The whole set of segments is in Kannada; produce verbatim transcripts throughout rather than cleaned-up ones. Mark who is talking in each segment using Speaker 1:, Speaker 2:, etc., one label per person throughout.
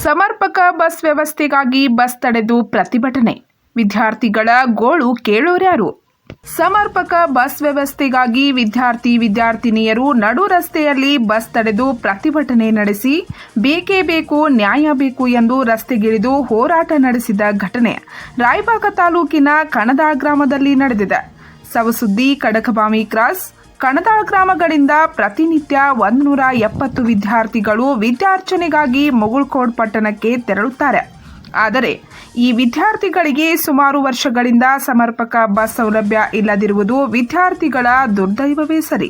Speaker 1: ಸಮರ್ಪಕ ಬಸ್ ವ್ಯವಸ್ಥೆಗಾಗಿ ಬಸ್ ತಡೆದು ಪ್ರತಿಭಟನೆ. ವಿದ್ಯಾರ್ಥಿಗಳ ಗೋಳು ಕೇಳೋರ್ಯಾರು? ಸಮರ್ಪಕ ಬಸ್ ವ್ಯವಸ್ಥೆಗಾಗಿ ವಿದ್ಯಾರ್ಥಿ ವಿದ್ಯಾರ್ಥಿನಿಯರು ನಡು ರಸ್ತೆಯಲ್ಲಿ ಬಸ್ ತಡೆದು ಪ್ರತಿಭಟನೆ ನಡೆಸಿ ಬೇಕೇ ಬೇಕು, ನ್ಯಾಯ ಬೇಕು ಎಂದು ರಸ್ತೆಗಿಳಿದು ಹೋರಾಟ ನಡೆಸಿದ ಘಟನೆ ರಾಯಬಾಗ ತಾಲೂಕಿನ ಕಣದಾಳ ಗ್ರಾಮದಲ್ಲಿ ನಡೆದಿದೆ. ಸವಸುದ್ದಿ, ಕಡಕಬಾವಿ ಕ್ರಾಸ್, ಕಣದಾಳ ಗ್ರಾಮಗಳಿಂದ ಪ್ರತಿನಿತ್ಯ ಒಂದು ನೂರ ಎಪ್ಪತ್ತು ವಿದ್ಯಾರ್ಥಿಗಳು ವಿದ್ಯಾರ್ಚನೆಗಾಗಿ ಮುಗುಳ್ಕೋಡ್ ಪಟ್ಟಣಕ್ಕೆ ತೆರಳುತ್ತಾರೆ. ಆದರೆ ಈ ವಿದ್ಯಾರ್ಥಿಗಳಿಗೆ ಸುಮಾರು ವರ್ಷಗಳಿಂದ ಸಮರ್ಪಕ ಬಸ್ ಸೌಲಭ್ಯ ಇಲ್ಲದಿರುವುದು ವಿದ್ಯಾರ್ಥಿಗಳ ದುರ್ದೈವವೇ ಸರಿ.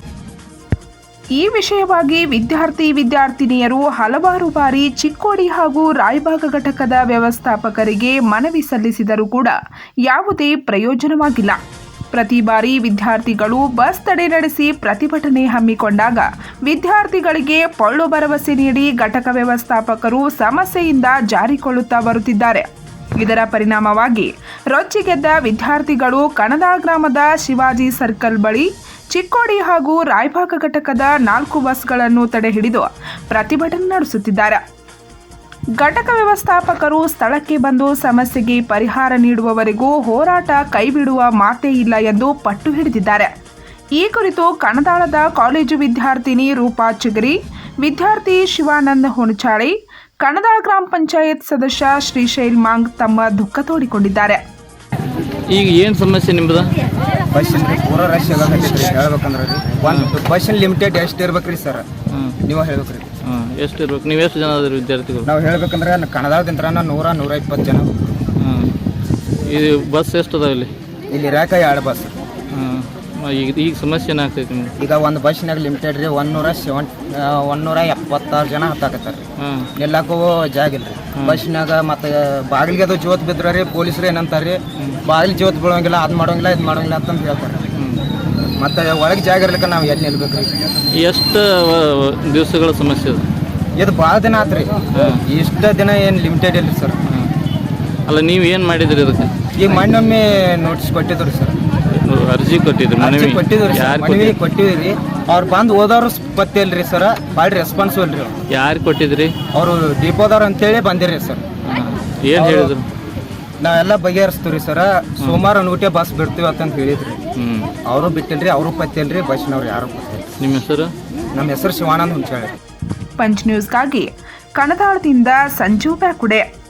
Speaker 1: ಈ ವಿಷಯವಾಗಿ ವಿದ್ಯಾರ್ಥಿ ವಿದ್ಯಾರ್ಥಿನಿಯರು ಹಲವಾರು ಬಾರಿ ಚಿಕ್ಕೋಡಿ ಹಾಗೂ ರಾಯಬಾಗ ಘಟಕದ ವ್ಯವಸ್ಥಾಪಕರಿಗೆ ಮನವಿ ಸಲ್ಲಿಸಿದರೂ ಕೂಡ ಯಾವುದೇ ಪ್ರಯೋಜನವಾಗಿಲ್ಲ. ಪ್ರತಿ ಬಾರಿ ವಿದ್ಯಾರ್ಥಿಗಳು ಬಸ್ ತಡೆ ನಡೆಸಿ ಪ್ರತಿಭಟನೆ ಹಮ್ಮಿಕೊಂಡಾಗ ವಿದ್ಯಾರ್ಥಿಗಳಿಗೆ ಪೊಳ್ಳು ಭರವಸೆ ನೀಡಿ ಘಟಕ ವ್ಯವಸ್ಥಾಪಕರು ಸಮಸ್ಯೆಯಿಂದ ಜಾರಿಕೊಳ್ಳುತ್ತಾ ಬರುತ್ತಿದ್ದಾರೆ. ಇದರ ಪರಿಣಾಮವಾಗಿ ರೊಚ್ಚಿಗೆದ್ದ ವಿದ್ಯಾರ್ಥಿಗಳು ಕಣದಾಳ ಗ್ರಾಮದ ಶಿವಾಜಿ ಸರ್ಕಲ್ ಬಳಿ ಚಿಕ್ಕೋಡಿ ಹಾಗೂ ರಾಯಬಾಗ ಘಟಕದ ನಾಲ್ಕು ಬಸ್ಗಳನ್ನು ತಡೆ ಹಿಡಿದು ಪ್ರತಿಭಟನೆ ನಡೆಸುತ್ತಿದ್ದಾರೆ. ಘಟಕ ವ್ಯವಸ್ಥಾಪಕರು ಸ್ಥಳಕ್ಕೆ ಬಂದು ಸಮಸ್ಯೆಗೆ ಪರಿಹಾರ ನೀಡುವವರೆಗೂ ಹೋರಾಟ ಕೈಬಿಡುವ ಮಾತೇ ಇಲ್ಲ ಎಂದು ಪಟ್ಟು ಹಿಡಿದಿದ್ದಾರೆ. ಈ ಕುರಿತು ಕಣದಾಳದ ಕಾಲೇಜು ವಿದ್ಯಾರ್ಥಿನಿ ರೂಪಾ ಚಿಗರಿ, ವಿದ್ಯಾರ್ಥಿ ಶಿವಾನಂದ ಹುಣಚಾಳಿ, ಕಣದಾಳ ಗ್ರಾಮ ಪಂಚಾಯತ್ ಸದಸ್ಯ ಶ್ರೀಶೈಲ್ ಮಾಂಗ್ ತಮ್ಮ ದುಃಖ ತೋಡಿಕೊಂಡಿದ್ದಾರೆ.
Speaker 2: ಈಗ ಏನು ಸಮಸ್ಯೆ ನಿಮ್ಮದು?
Speaker 3: ಬಸ್ಸಿನ ಪೂರ ರಶ್ ಆಗತ್ತೈತ್ರಿ. ಹೇಳ್ಬೇಕಂದ್ರೆ ರೀ ಒಂದು ಬಸ್ಸಿನ ಲಿಮಿಟೆಡ್ ಎಷ್ಟು ಇರ್ಬೇಕ್ರಿ ಸರ್? ನೀವು ಹೇಳ್ಬೇಕ್ರಿ.
Speaker 2: ಹಾಂ, ಎಷ್ಟು ಇರ್ಬೇಕು? ನೀವು ಎಷ್ಟು ಜನ ಅದ್ರಿ ವಿದ್ಯಾರ್ಥಿಗಳು?
Speaker 3: ನಾವು ಹೇಳ್ಬೇಕಂದ್ರೆ ಕಣದಾಳದಿಂದ ನೂರ ನೂರ ಇಪ್ಪತ್ತು ಜನ.
Speaker 2: ಹಾಂ, ಇದು ಬಸ್ ಎಷ್ಟು ಅದಾವ ಇಲ್ಲಿ? ಇಲ್ಲಿ
Speaker 3: ಇರಾಕ ಎರಡು ಬಸ್.
Speaker 2: ಹಾಂ, ಈಗ ಈಗ ಸಮಸ್ಯೆ ಏನಾಗ್ತೈತಿ ನಿಮ್ಗೆ?
Speaker 3: ಈಗ ಒಂದು ಬಸ್ಸಿನಾಗ ಲಿಮಿಟೆಡ್ ರೀ ಒಂದು ನೂರ ಸೆವೆನ್ ಒಂದು ನೂರ ಎಪ್ಪತ್ತಾರು ಜನ ಹತ್ತಾಕತ್ತಾರ ರೀ.
Speaker 2: ಹಾಂ,
Speaker 3: ಎಲ್ಲಕ್ಕೂ ಜಾಗ ಇಲ್ಲ ರೀ ಬಸ್ಸಿನಾಗ. ಮತ್ತು ಬಾಗಿಲಿಗೆ ಅದು ಜೋತ್ ಬಿದ್ರೆ ರೀ ಪೊಲೀಸರು ಏನಂತಾರೆ ರೀ, ಬಾಗಿಲು ಜೋತ್ ಬೀಳೋಂಗಿಲ್ಲ, ಅದು ಮಾಡೋಂಗಿಲ್ಲ, ಇದು ಮಾಡೋಂಗಿಲ್ಲ ಅಂತಂದು ಹೇಳ್ತಾರೆ. ಮತ್ತು ಒಳಗೆ ಜಾಗ ಇರ್ಲಿಕ್ಕೆ ನಾವು ಎಲ್ಲಿ ನಿಲ್ಬೇಕು ರೀ?
Speaker 2: ಎಷ್ಟು ದಿವಸಗಳ ಸಮಸ್ಯೆ ಅದು?
Speaker 3: ಇದು ಭಾಳ ದಿನ ಆತು ರೀ. ಇಷ್ಟು ದಿನ ಏನು ಲಿಮಿಟೆಡ್ ಇಲ್ಲ ಸರ್.
Speaker 2: ಅಲ್ಲ, ನೀವು ಏನು ಮಾಡಿದ್ರಿ ಅದಕ್ಕೆ?
Speaker 3: ಈಗ ಮೊನ್ನೊಮ್ಮೆ ನೋಟಿಸ್ ಕೊಟ್ಟಿದ್ರು ರೀ ಸರ್.
Speaker 2: ಅರ್ಜಿ ಕೊಟ್ಟಿದ್ರು?
Speaker 3: ಅರ್ಜಿ ಕೊಟ್ಟಿದ್ರು ರೀ, ಮನವಿ ಕೊಟ್ಟಿವಿ ರೀ. ಅವ್ರು ಬಂದು ಓದೋರು ಪತ್ತೆ ಇಲ್ರಿ ಸರ್, ಭಾಳ ರೆಸ್ಪಾನ್ಸಿಬಲ್ ರೀ.
Speaker 2: ಯಾರು ಕೊಟ್ಟಿದ್ರಿ?
Speaker 3: ಅವರು ಡಿಪೋದವ್ರು ಅಂತೇಳಿ ಬಂದಿರಿ ಸರ್.
Speaker 2: ಏನು ಹೇಳಿದ್ರು?
Speaker 3: ನಾವೆಲ್ಲ ಬಗೆಹರಿಸ್ತೀವಿ ರೀ ಸರ, ಸೋಮವಾರ ನೂಟೆ ಬಸ್ ಬಿಡ್ತೀವಿ ಅಂತಂದು ಹೇಳಿದ್ರಿ. ಅವರು ಬಿಟ್ಟಿಲ್ರಿ, ಅವರು ಪತ್ತಿಲ್ರಿ, ಬಸ್ನವ್ರು ಯಾರು ಪತ್ತಿಲ್ಲ.
Speaker 2: ನಿಮ್ಮ ಹೆಸರು?
Speaker 3: ನಮ್ಮ ಹೆಸರು ಶಿವಾನಂದ ಹುಂಚಾಳಿ.
Speaker 1: ಪಂಚ್ ನ್ಯೂಸ್ಗಾಗಿ ಕಣದಾಳದಿಂದ ಸಂಜು ಬ್ಯಾಕುಡೆ.